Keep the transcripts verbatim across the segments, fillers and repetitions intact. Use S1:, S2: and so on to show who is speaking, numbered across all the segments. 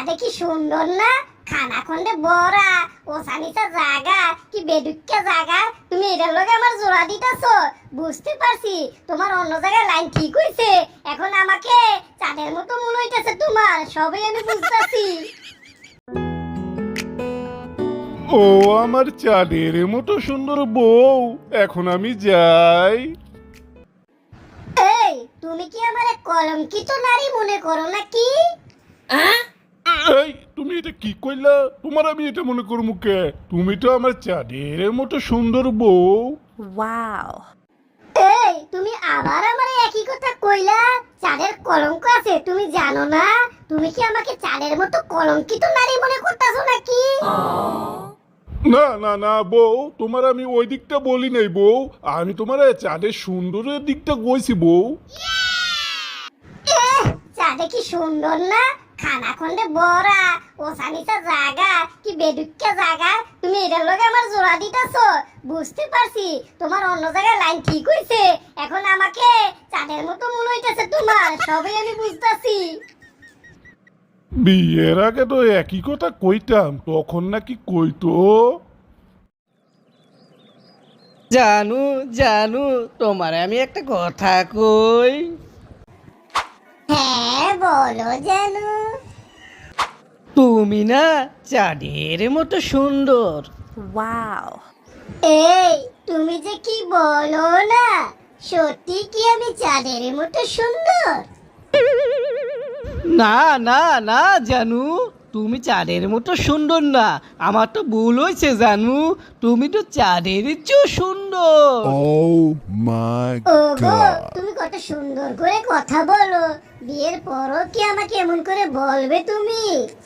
S1: চাঁদে কি সুন্দর না? খানা খন্ডে বড়া ও সানিসা জায়গা কি বেদুক্কা জায়গা। তুমি এটার লগে আমার জোড়া দিতেছো, বুঝতে পারছি তোমার অন্য জায়গায় লাইন ঠিক হইছে। এখন আমাকে চাঁদের মতো মনে হইতেছে তোমার, সবই আমি বুঝতাছি।
S2: ও আমার চাঁদের মতো সুন্দর বউ, এখন আমি যাই।
S1: এই তুমি কি আমারে কলঙ্কিত নারী মনে করো নাকি?
S2: এই তুমি এটা কি কইলা? তোমার আমি এটা মনে করবো কে? তুমি তো আমার চাঁদের মতো সুন্দর বউ।
S3: Wow.
S1: এই তুমি আবার আমারে একই কথা কইলা। চাঁদের কলঙ্ক আছে তুমি জানো না? তুমি কি আমাকে চাঁদের মতো কলঙ্কিত নারী মনে করতেছো নাকি?
S2: না না না বউ, তোমার আমি ওই দিকটা বলি নাই বউ, আমি তোমার চাঁদের সুন্দরের দিকটা কইছি বউ।
S1: এহ, চাঁদে কি সুন্দর না? খানা খন্ডে বড়া ও সানিসা জায়গা কি বেদুক্কা জায়গা। তুমি এটার লগে আমার জোড়া দিতেছো, বুঝতে পারছি তোমার অন্য জায়গায় লাইন ঠিক হইছে। এখন আমাকে চাঁদের মতো মনে হইতেছে তোমার, সবই আমি বুঝতাছি।
S2: বিয়ের আগে তো একই কথা কইতাম, তখন নাকি কইতো।
S4: জানু জানু তোমারে আমি একটা কথা কই।
S1: হ্যাঁ বলো জানো।
S4: তুমি না চাঁদের মতো সুন্দর।
S3: Wow.
S1: এই তুমি যে কি বলো না, সত্যি কি আমি চাঁদের মতো সুন্দর?
S4: না না না জানু, তুমি চাঁদের মতো সুন্দর না, আমার তো ভুল হয়েছে জানু, তুমি তো চাঁদের চেয়েও সুন্দর।
S5: Oh my
S1: ওগো
S5: god.
S1: তুমি কত সুন্দর করে কথা বলো, বিয়ের পরও কি আমাকে এমন করে বলবে তুমি?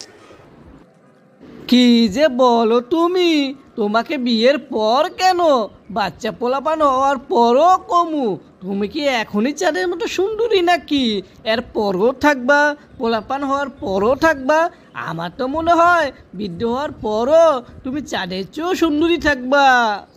S4: কি যে বলো তুমি, তোমাকে বিয়ের পর কেন, বাচ্চা পোলাপান হওয়ার পরও কমু। তুমি কি এখনই চাঁদের মতো সুন্দরী নাকি? এর পরও থাকবা, পোলাপান হওয়ার পরও থাকবা? আমার তো মনে হয় বৃদ্ধ হওয়ার পরও তুমি চাঁদের চেয়েও সুন্দরী থাকবা।